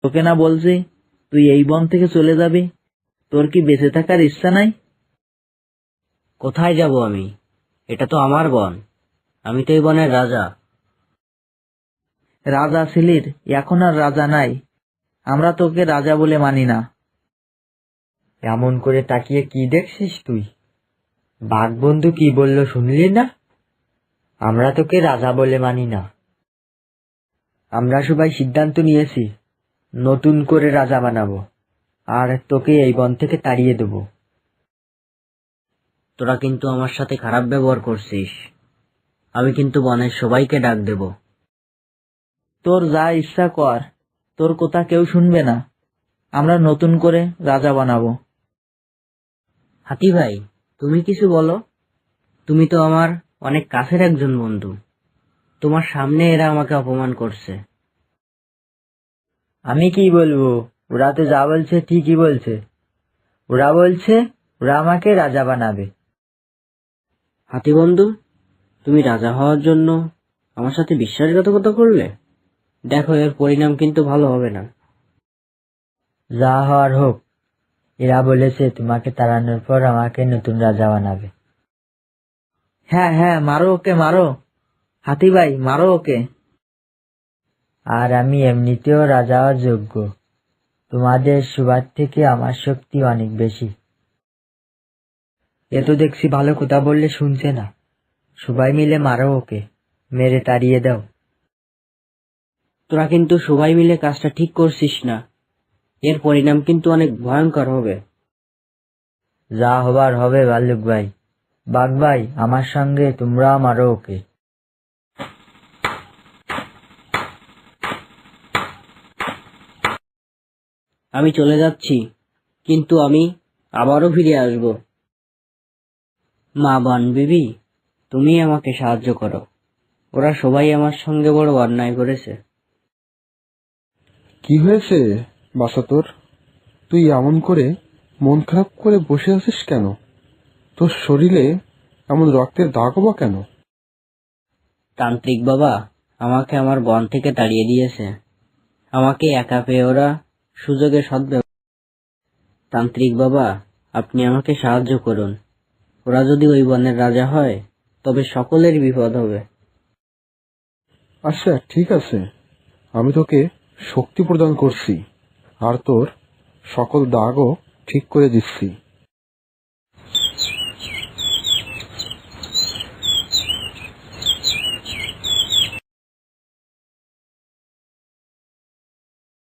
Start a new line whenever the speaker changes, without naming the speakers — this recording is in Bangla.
তোকে না বলছি তুই এই বন থেকে চলে যাবি? তোর কি বেঁচে থাকার ইচ্ছা নাই?
কোথায় যাব আমি? এটা তো আমার বন, আমি তো এই বনের রাজা।
রাজা ছিলির, এখন আর রাজা নাই। আমরা তোকে রাজা বলে মানি না।
এমন করে তাকিয়ে কি দেখছিস তুই? বাঘবন্ধু কি বলল শুনলি না? আমরা তোকে রাজা বলে মানি না। আমরা সবাই সিদ্ধান্ত নিয়েছি নতুন করে রাজা বানাবো, আর তোকে এই বন থেকে তাড়িয়ে দেব।
তোরা কিন্তু আমার সাথে খারাপ ব্যবহার করছিস। আমি কিন্তু বনের সবাইকে ডাক দেব।
তোর যা ইচ্ছা কর, তোর কথা কেউ শুনবে না। আমরা নতুন করে রাজা বানাবো।
হাতি ভাই, তুমি কিছু বলো। তুমি তো আমার অনেক কাছের একজন বন্ধু। তোমার সামনে এরা আমাকে অপমান করছে।
আমি কি বলবো? ওরা তো যা বলছে ঠিকই বলছে। ওরা বলছে ওরা আমাকে রাজা বানাবে।
হাতি বন্ধু, তুমি রাজা হওয়ার জন্য আমার সাথে বিশ্বাসঘাতকতা করলে। দেখো, এর পরিণাম কিন্তু ভালো হবে না।
যা হওয়ার হোক, এরা বলেছে তোমাকে তাড়ানোর পর আমাকে নতুন রাজা বানাবে।
হ্যাঁ হ্যাঁ, মারো ওকে, মারো। হাতি ভাই, মারো ওকে।
আর আমি এমনিতেও রাজা হওয়ার যোগ্য। তোমাদের সবার থেকে আমার শক্তি অনেক বেশি। এ তো দেখছি ভালো কথা বললে শুনছে না। সবাই মিলে মারো ওকে, মেরে তাড়িয়ে দাও।
তোরা কিন্তু সবাই মিলে কাজটা ঠিক করছিস না। এর পরিণাম কিন্তু অনেক ভয়ঙ্কর হবে।
যা হবার হবে ভাল্লুক ভাই। বাঘ ভাই, আমার সঙ্গে তোমরা মারো ওকে।
আমি চলে যাচ্ছি, কিন্তু আমি আবারও ফিরে আসব। মা বান বিবি, তুমি আমাকে সাহায্য করো। ওরা সবাই আমার সঙ্গে বড় অন্যায় করেছে।
কি হয়েছে বাছা তোর? তুই এমন করে মন খারাপ করে বসে আছিস কেন? তোর শরীরে এমন রক্তের দাগও বা কেন?
তান্ত্রিক বাবা আমাকে আমার বন থেকে তাড়িয়ে দিয়েছে। আমাকে একা পেয়ে ওরা সুযোগে সদ্ব্যবহার। তান্ত্রিক বাবা, আপনি আমাকে সাহায্য করুন। ওরা যদি ওই বনের রাজা হয় তবে সকলের বিপদ হবে।
আচ্ছা, ঠিক আছে, আমি তোকে শক্তি প্রদান করছি আর তোর সকল দাগও ঠিক করে দিচ্ছি।